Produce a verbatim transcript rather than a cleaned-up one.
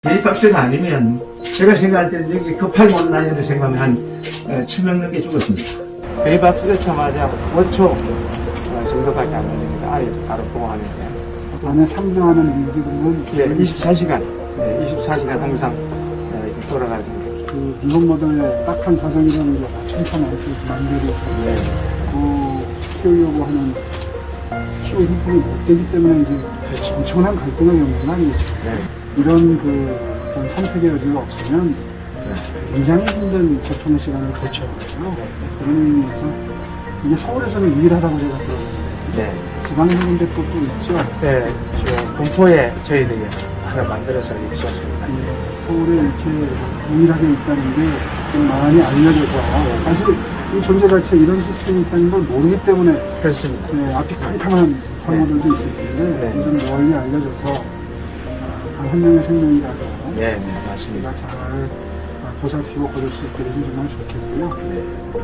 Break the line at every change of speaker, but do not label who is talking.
베이박스가 아니면 제가 생각할 때는 여기 급하게 온 나이를 생각하면 한 칠 명 넘게 죽었습니다. 베이박스가 쳐마자 오 초 정도밖에 안 걸립니다. 아예 바로 보호하는데.
안에 상주하는 인기들은
네, 이십사 시간, 네, 이십사 시간 항상 네, 이렇게 돌아가지고.
그 미국 모델의 딱한 사정이라는 게 천천히 만들고
네.
그 키우려고 하는 키우 형편이 못 되기 때문에 이제
그렇죠.
엄청난 갈등을 겪는 거 아니겠죠.
네.
이런 그 어떤 선택의 여지가 없으면
네.
굉장히 힘든 교통 시간을
그렇죠.
거쳐요. 그런 의미에서 이게 서울에서는 유일하다고 제가 들었는데
네.
지방에 있는데 또, 또 있죠.
네, 저 공포에 저희들이 하나 만들어서 이렇게 쏘습니다.
예, 서울에 이렇게 유일하게 있다는 게 좀 많이 알려져서 사실 이 존재 자체에 이런 시스템이 있다는 걸 모르기 때문에
그렇습니다.
네, 앞이 캄캄한 상호들도 있을 텐데
네.
좀 널리 알려져서 단 한 명의 생명이라도
네, 네, 맞습니다.
우리가 잘 보살피고 거둘 수 있게 되면 정말 좋겠고요.
네.